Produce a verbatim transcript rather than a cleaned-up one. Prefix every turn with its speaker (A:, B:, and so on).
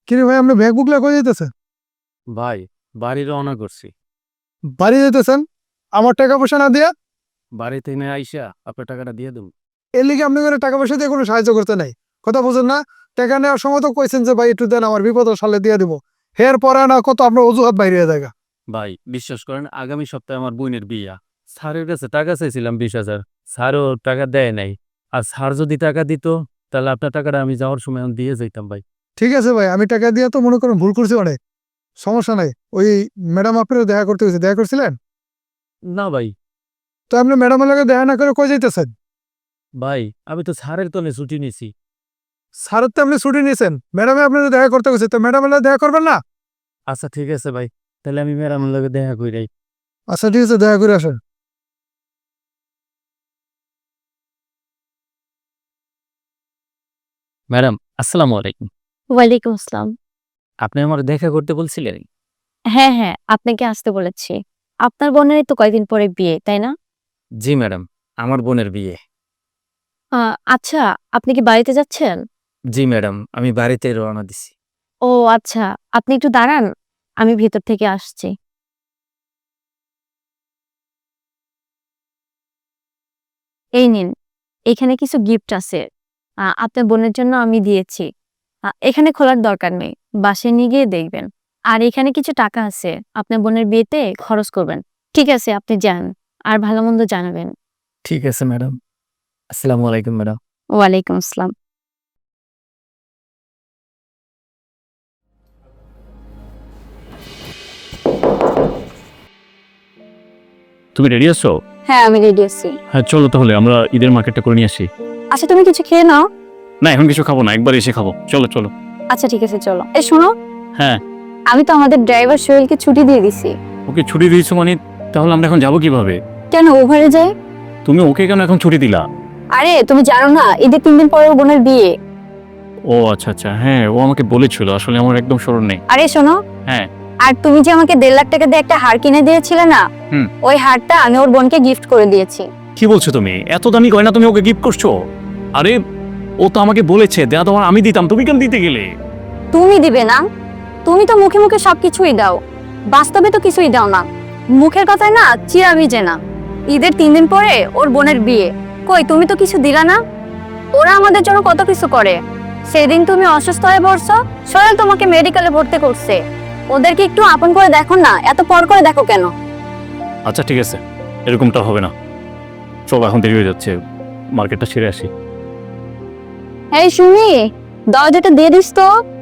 A: কিরে ভাই, আপনি ব্যাগ বুকলা করে যেতেছেন?
B: ভাই বাড়ি রওনা করছি।
A: বাড়ি যেতেছেন আমার টাকা পয়সা না দিয়া?
B: বাড়িতে এনে আইসা আপনার টাকাটা দিয়ে দেবো।
A: এর লিগে আপনি করে টাকা পয়সা দিয়ে কোনো সাহায্য করতে নাই। কথা বুঝেন না? টাকা নেওয়ার সময় তো কইছেন যে ভাই একটু দেন, আমার বিপদ সালে দিয়ে দিব। হের পরে না কত আপনার অজুহাত বাইরে হয়ে যায়।
B: ভাই বিশ্বাস করেন, আগামী সপ্তাহে আমার বোনের বিয়া। স্যারের কাছে টাকা চাইছিলাম বিশ হাজার, স্যারও টাকা দেয় নাই। আর স্যার যদি টাকা দিত তাহলে আপনার টাকাটা আমি যাওয়ার সময় আমি দিয়ে যাইতাম ভাই।
A: ঠিক আছে ভাই, আমি টাকা দিয়ে তো মনে করেন ভুল করছি অনেক, সমস্যা নাই। ওই ম্যাডাম আপনার দেখা করতে গেছে, দেখা করছিলেন?
B: না ভাই।
A: তো আপনি ম্যাডামের লগে দেখা না করে কই যাইতেছেন?
B: ভাই আমি তো স্যারের তলে ছুটি নিছি।
A: স্যারের তো আপনি ছুটি নিয়েছেন, ম্যাডামে আপনার দেখা করতে গেছে, তো ম্যাডামের লগে দেখা করবেন না?
B: আচ্ছা ঠিক আছে ভাই, তাহলে আমি ম্যাডামের লগে দেখা কইরাই।
A: আচ্ছা ঠিক আছে, দেখা করে আসেন।
B: ম্যাডাম আসসালামু আলাইকুম।
C: ওয়ালাইকুম আসসালাম।
B: আপনি আমার দেখা করতে বলছিলেন?
C: হ্যাঁ, হ্যাঁ, আপনাকে আসতে বলেছি। আপনার বোনেরই তো কয়দিন পরে বিয়ে, তাই না?
B: জি ম্যাডাম, আমার বোনের বিয়ে।
C: আ আচ্ছা, আপনি কি বাড়িতে যাচ্ছেন?
B: জি ম্যাডাম, আমি বাড়িতে রওনা দিছি।
C: ও আচ্ছা, আপনি একটু দাঁড়ান, আমি ভেতর থেকে আসছি। এই নিন, এখানে কিছু গিফট আছে। আ আপনার বোনের জন্য আমি দিয়েছি। আ এখানে খোলার দরকার নেই, বাসায় নিয়ে গিয়ে দেখবেন। আর এখানে কিছু টাকা আছে, আপনার বোনের বিয়েতে খরচ করবেন। ঠিক আছে, আপনি যান, আর ভালো-মন্দ জানাবেন।
B: ঠিক আছে ম্যাডাম। আসসালামু আলাইকুম ম্যাডাম।
C: ওয়ালাইকুম আসসালাম।
B: তুমি রেডি আছো?
C: হ্যাঁ, আমি রেডি আছি।
B: হ্যাঁ চলো তাহলে আমরা ঈদের মার্কেটটা করে নিয়ে আসি।
C: আচ্ছা, তুমি কিছু খেয়ে নাও।
B: না এখন কিছু খাবো না, একবার এসে খাবো। চলো চলো।
C: আচ্ছা ঠিক আছে, চলো। এই শোনো,
B: হ্যাঁ।
C: আমি তো আমাদের ড্রাইভার সোহেলকে ছুটি দিয়ে দিছি।
B: ওকে ছুটি দিয়েছো মানে? তাহলে আমরা এখন যাবো কিভাবে?
C: কেন, ওভারে যাই?
B: তুমি ওকে কেন এখন ছুটি দিলা?
C: আরে তুমি জানো না, ঈদের তিন দিন পরে ওর বোনের বিয়ে।
B: ও আচ্ছা আচ্ছা, হ্যাঁ ও আমাকে বলেছিল, আসলে আমার একদম স্মরণ নেই।
C: আরে শোনো,
B: হ্যাঁ।
C: আর তুমি যে আমাকে দেড় লাখ টাকা দিয়ে একটা হার কিনে দিয়েছিলে না,
B: হুম।
C: ওই হারটা আমি ওর বোনকে গিফট করে দিয়েছি।
B: কি বলছো তুমি? এত দামি গয়না তুমি ওকে গিফট করছো? আরে ও তো আমাকে বলেছে দেয়া তোমার, আমি দিতাম, তুমি কেন দিতে গেলে?
C: তুমি দিবে না? তুমি তো মুখে মুখে সবকিছুই দাও, বাস্তবে তো কিছুই দাও না। মুখের কথায় না চিরা ভিজে না। ঈদের তিন দিন পরে ওর বোনের বিয়ে, কই তুমি তো কিছু দিলা না। ওরা আমাদের জন্য কত কিছু করে। সেদিন তুমি অসুস্থ হয়ে পড়ছো, সোহেল তোমাকে মেডিকেলে ভর্তি করছে। ওদেরকে একটু আপন করে দেখো না, এত পর করে দেখো কেন?
B: আচ্ছা ঠিক আছে, এরকমটা হবে না। চলো এখন দেরি হয়ে যাচ্ছে, মার্কেটটা সেরে আসি।
C: এই সুমি, দরজাটা দিয়ে দিস তো।